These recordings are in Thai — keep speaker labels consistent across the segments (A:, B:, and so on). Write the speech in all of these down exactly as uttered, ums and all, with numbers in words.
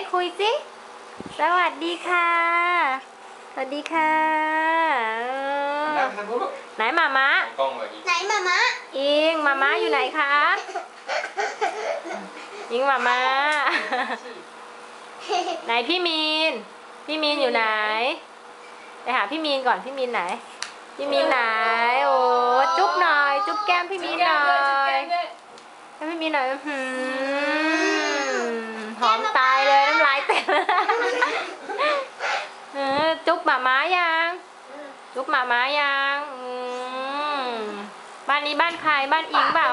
A: คุยสิสวัสดีค่ะสวัสดีค่ะไหนหมาม้า
B: ไหนหมาม้า
A: อิงหมาม้าอยู่ไหนคะอิงหมาม้าไหนพี่มีนพี่มีนอยู่ไหนไปหาพี่มีนก่อนพี่มีนไหนพี่มีนไหนโอ้จุ๊บหน่อยจุ๊บแก้มพี่มีนหน่อยให้พี่มีนหน่อยหืมหอมตายเลยน้ำลายเต็มจุ๊บหมาม้ายังจุ๊บหมาม้ายังบ้านนี้บ้านใครบ้านอิงเปล่า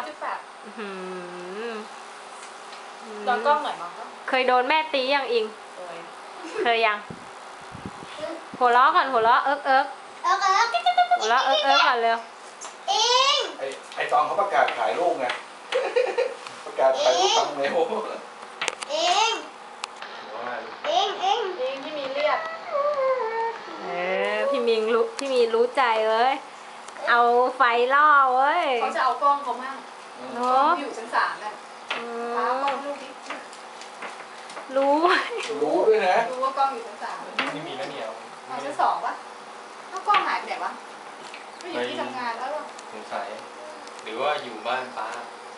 C: ลองกล้องหน่อยมั้ง
A: เคยโดนแม่ตียังอิงเคยยังหัวเราะก่อนหัวเราะเอิ๊กเอิ๊ก
B: เอิ๊กเอิ๊ก
A: หัวเราะเอิ๊กเอิ๊กก่อนเร็ว
B: อิง
D: ไอ้ไอ้ตองเขาประกาศขายลูกไงประกาศขายลูกทำเร็ว
B: อิงอิงอิง
C: อิงที่มีเรียก
A: เออพี่มิงรู้พี่มีรู้ใจเว้ยเอาไฟล่อเว้ย
C: เขาจะเอากล้องเขามั่ง
A: เนาะ
C: อยู่ชั้นสามน่ะป้ากล้องลูกดิ
A: รู้
D: รู้ด้วยนะ
C: รู้ว่ากล้องอยู่ชั้นสาม
D: ไม่มีแล้วเนี่ย
C: เอาชั้นสองวะถ้ากล้องหายไปไหนวะไม่อยู่ที่ทำงานแล้วหรอ
E: สงสัยหรือว่าอยู่บ้านป้า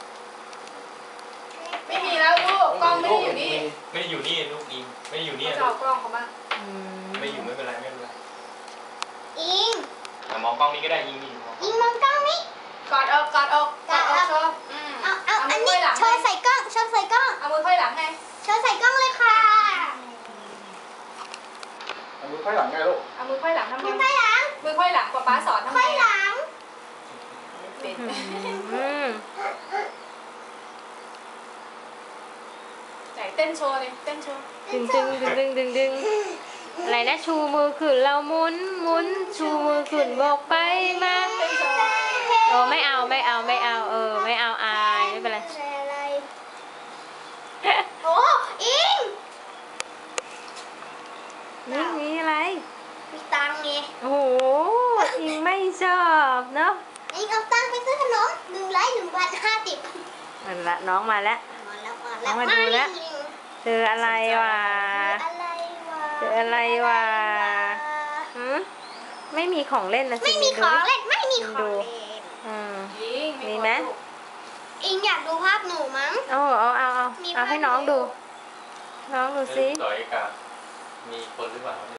C: ไม่มีแล้วลูกกล้องไม่ได้อยู่นี่
E: ไม่ได้อยู่นี่ลูกอิงไม่ได้อยู่นี่
C: เขาจะเอากล้องเขาบ้าง
E: ไม่อยู่ไม่เป็นไรไม่เป็นไร
B: อิง
E: มองกล้องนี้ก็ได้อิงนี่
B: อิงมองกล้องนี้
C: กอดอกกอดอกกอดอกโชว์
B: เอาเอาอันนี้โชว์ใส่กล้องโชว์ใส่กล้อง
C: เอามือค่อยหลังไง
B: โชว์ใส่กล้องเลยค่ะ
D: เอามือค่อยหลังไงลูก
C: เอามือค่อยหลังทำไง
B: มือค่อยหลัง
C: มือค่อยหลังกว่าป้าสอนทำไง
B: ค่อยหลัง
C: เป็นไหนเต้นโชว์เลยเต้นโชว์
A: ดึงดึงดึงดึงดึงดึงอะไรนะชูมือขึ้นเราหมุนหมุนชูมือขึ้นบอกไปมาโอ้ไม่เอาไม่เอาไม่เอาเออไม่เอาอายไม่เป็นไร
B: โอ้อิง
A: นี่มีอะไร
B: มีตังค์ไง
A: โอ้โหอิงไม่ชอบเนาะ
B: อิงเอาตังค์ไปซื้อขนมหนึ่งร้อยหนึ่งพันห้าสิบ
A: มันละน้องมาแล้วน้องมาดูแล้วเจออะไรวะเจออะไรวะหืมไม่มีของเล่นนะ
B: ไม่มีของเล่นไม่มีของเล่น
A: อืมมีไหม
B: อิงอยากดูภาพหนูมั้ง
A: เอาเอาเอาเอาเอาให้น้องดูน้องดูสิ
E: ต่อยกับมีคนหรือเปล่า